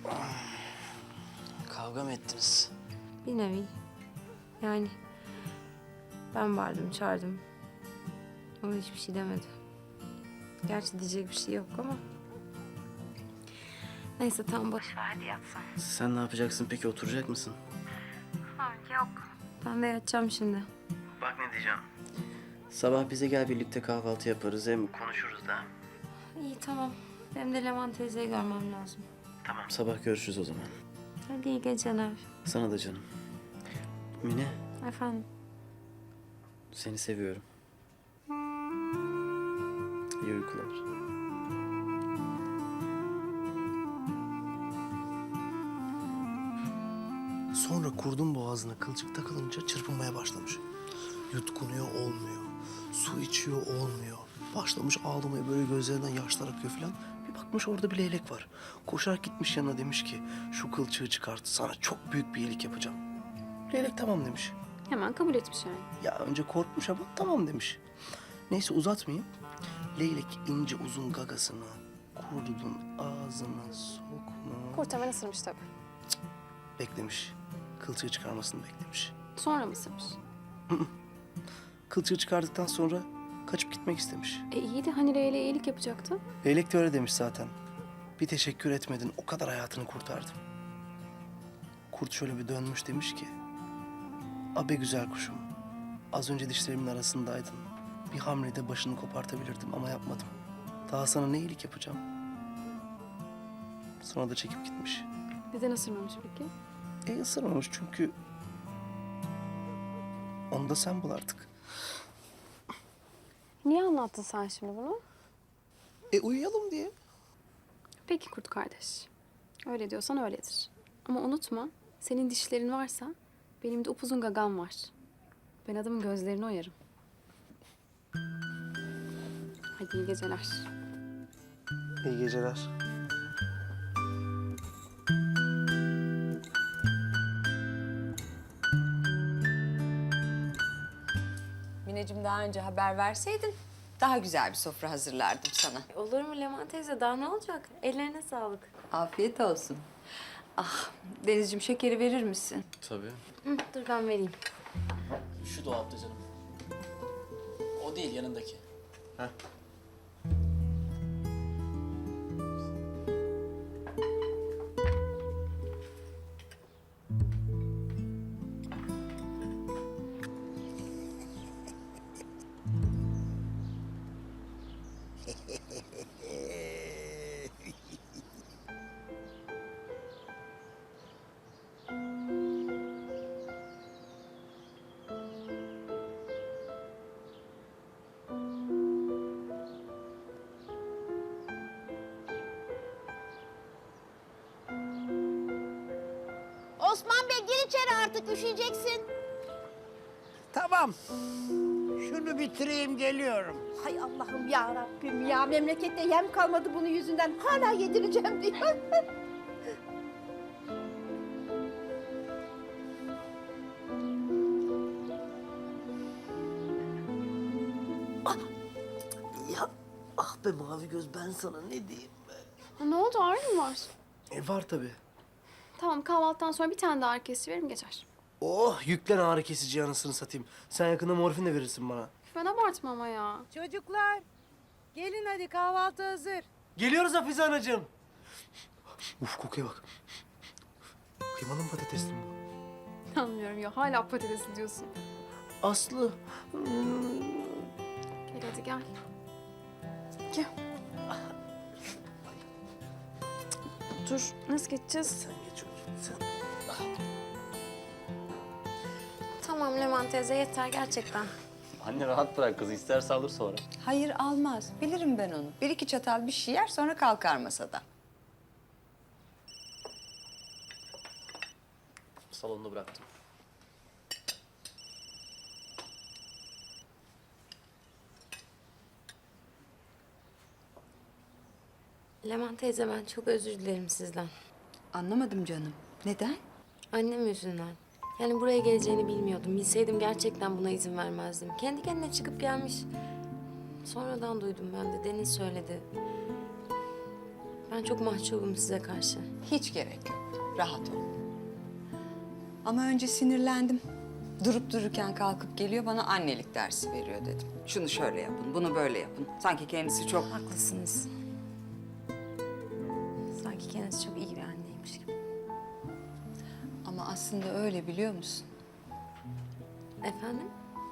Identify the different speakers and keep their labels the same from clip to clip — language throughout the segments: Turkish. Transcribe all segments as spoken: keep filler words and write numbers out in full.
Speaker 1: Kavga mı ettiniz?
Speaker 2: Bir nevi. Yani ben vardım, çağırdım. O hiçbir şey demedi. Gerçi diyecek bir şey yok ama. Neyse tamam boş ver hadi yatsan.
Speaker 1: Sen ne yapacaksın peki? Oturacak mısın?
Speaker 2: Ha, yok. Ben de yatacağım şimdi.
Speaker 1: Bak ne diyeceğim. Sabah bize gel, birlikte kahvaltı yaparız, hem konuşuruz da.
Speaker 2: İyi tamam. Benim de Leman teyzeyi görmem lazım.
Speaker 1: Tamam, sabah görüşürüz o zaman.
Speaker 2: Hadi iyi geceler.
Speaker 1: Sana da canım. Mine,
Speaker 2: Efendim?
Speaker 1: seni seviyorum. İyi uykular.
Speaker 3: Sonra kurdun boğazına kılçık takılınca çırpınmaya başlamış. Yutkunuyor olmuyor. Su içiyor olmuyor. Başlamış ağlamaya, böyle gözlerinden yaşlar akıyor falan. Bir bakmış orada bir leylek var. Koşarak gitmiş yanına, demiş ki şu kılçığı çıkart, sana çok büyük bir iyilik yapacağım. Leylek tamam demiş.
Speaker 2: Hemen kabul etmiş yani.
Speaker 3: Ya önce korkmuş ama tamam demiş. Neyse uzatmayayım. Leylek ince uzun gagasını kurdun ağzına sokma.
Speaker 4: Kurt hemen ısırmış tabii.
Speaker 3: Beklemiş. Kılçığı çıkarmasını beklemiş.
Speaker 4: Sonra mı ısırmış?
Speaker 3: Kılçığı çıkardıktan sonra kaçıp gitmek istemiş.
Speaker 4: E iyi de hani Leyla iyilik yapacaktı.
Speaker 3: Leylek de öyle demiş zaten. Bir teşekkür etmedin, o kadar hayatını kurtardım. Kurt şöyle bir dönmüş, demiş ki... Abe güzel kuşum, az önce dişlerimin arasındaydın. Bir hamlede başını kopartabilirdim ama yapmadım. Daha sana ne iyilik yapacağım? Sonra da çekip gitmiş.
Speaker 4: Neden ısırmamış peki?
Speaker 3: E ısırmamış çünkü... Onu da sen bul artık.
Speaker 4: Niye anlattın sen şimdi bunu?
Speaker 3: E uyuyalım diye.
Speaker 4: Peki kurt kardeş. Öyle diyorsan öyledir. Ama unutma, senin dişlerin varsa benim de upuzun gagam var. Ben adamın gözlerini oyarım. Hadi iyi geceler.
Speaker 3: İyi geceler.
Speaker 5: Mineciğim, daha önce haber verseydin daha güzel bir sofra hazırlardım sana.
Speaker 2: Olur mu Leman teyze? Daha ne olacak? Ellerine sağlık.
Speaker 5: Afiyet olsun. Ah, Denizciğim, şekeri verir misin?
Speaker 1: Tabii.
Speaker 2: Hı, dur ben vereyim.
Speaker 1: Şu dolapta canım. O değil, yanındaki. Heh.
Speaker 6: Osman Bey gir içeri artık, üşüyeceksin.
Speaker 7: Tamam. Şunu bitireyim, geliyorum.
Speaker 6: Hay Allah'ım ya Rabbim ya, memlekette yem kalmadı bunun yüzünden. Hala yedireceğim diyor.
Speaker 3: Ya ah be mavi göz, ben sana ne diyeyim be?
Speaker 4: Ha, ne oldu, ağrı mı var?
Speaker 3: E var tabii.
Speaker 4: Tamam, kahvaltıdan sonra bir tane daha ağrı kesici verim geçer.
Speaker 3: Oh yüklen ağrı kesici, anasını satayım. Sen yakında morfin de verirsin bana.
Speaker 4: Ben abartma ama ya.
Speaker 8: Çocuklar, gelin hadi kahvaltı hazır.
Speaker 3: Geliyoruz Hafize anacığım. Uf kokuya bak. Kıymalı mı, patatesli mi bu?
Speaker 4: Anlıyorum ya, hala patatesi diyorsun.
Speaker 3: Aslı.
Speaker 4: Gel hadi gel. Gel. Dur, nasıl geçeceğiz?
Speaker 3: Sen geç otur, sen.
Speaker 2: Tamam Leman teyze yeter gerçekten.
Speaker 1: Anne rahat bırak kızı, isterse alır sonra.
Speaker 5: Hayır, almaz. Bilirim ben onu. Bir iki çatal bir şey yer, sonra kalkar masadan.
Speaker 1: Salonda bıraktım.
Speaker 2: Leman teyze ben çok özür dilerim sizden.
Speaker 5: Anlamadım canım. Neden?
Speaker 2: Annem yüzünden. Yani buraya geleceğini bilmiyordum. Bilseydim gerçekten buna izin vermezdim. Kendi kendine çıkıp gelmiş. Sonradan duydum ben de. Deniz söyledi. Ben çok mahcubum size karşı.
Speaker 5: Hiç gerek yok. Rahat ol. Ama önce sinirlendim. Durup dururken kalkıp geliyor bana annelik dersi veriyor dedim. Şunu şöyle yapın, bunu böyle yapın. Sanki kendisi çok...
Speaker 2: Haklısınız. Sanki kendisi çok iyi bir anneymiş gibi.
Speaker 5: Ama aslında öyle, biliyor musun?
Speaker 2: Efendim?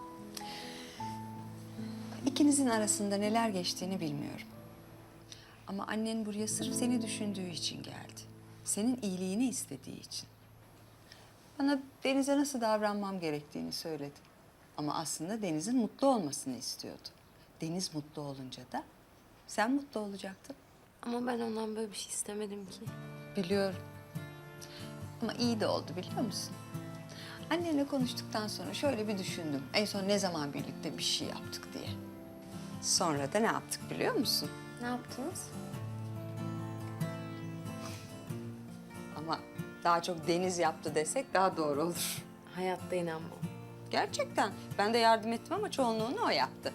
Speaker 5: İkinizin arasında neler geçtiğini bilmiyorum. Ama annen buraya sırf seni düşündüğü için geldi. Senin iyiliğini istediği için. Bana Deniz'e nasıl davranmam gerektiğini söyledi. Ama aslında Deniz'in mutlu olmasını istiyordu. Deniz mutlu olunca da sen mutlu olacaktın.
Speaker 2: Ama ben ondan böyle bir şey istemedim ki.
Speaker 5: Biliyorum. Ama iyi de oldu, biliyor musun? Annenle konuştuktan sonra şöyle bir düşündüm. En son ne zaman birlikte bir şey yaptık diye. Sonra da ne yaptık biliyor musun?
Speaker 2: Ne yaptınız?
Speaker 5: Ama daha çok Deniz yaptı desek daha doğru olur.
Speaker 2: Hayatta inanmam.
Speaker 5: Gerçekten. Ben de yardım ettim ama çoğunluğunu o yaptı.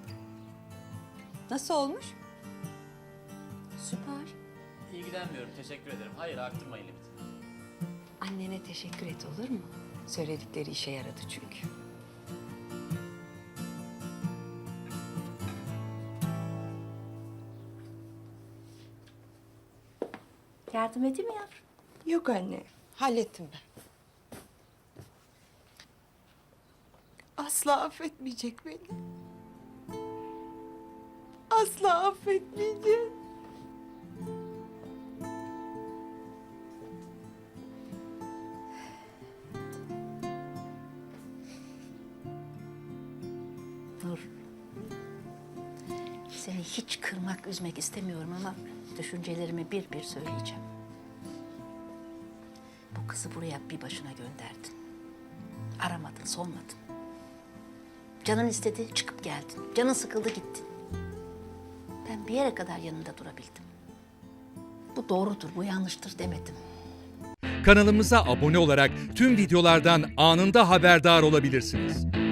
Speaker 5: Nasıl olmuş?
Speaker 2: Süper.
Speaker 9: İlgilenmiyorum, teşekkür ederim. Hayır, arttırmayın limitini.
Speaker 5: Annene teşekkür et, olur mu? Söyledikleri işe yaradı çünkü.
Speaker 6: Yardım edeyim mi yavrum?
Speaker 5: Yok anne, hallettim ben.
Speaker 8: Asla affetmeyecek beni. Asla affetmeyecek.
Speaker 6: Nur. Seni hiç kırmak, üzmek istemiyorum ama düşüncelerimi bir bir söyleyeceğim. Bu kızı buraya bir başına gönderdin. Aramadın, sormadın. Canın istedi, çıkıp geldin. Canın sıkıldı, gittin. Ben bir yere kadar yanında durabildim. Bu doğrudur, bu yanlıştır demedim.
Speaker 10: Kanalımıza abone olarak tüm videolardan anında haberdar olabilirsiniz.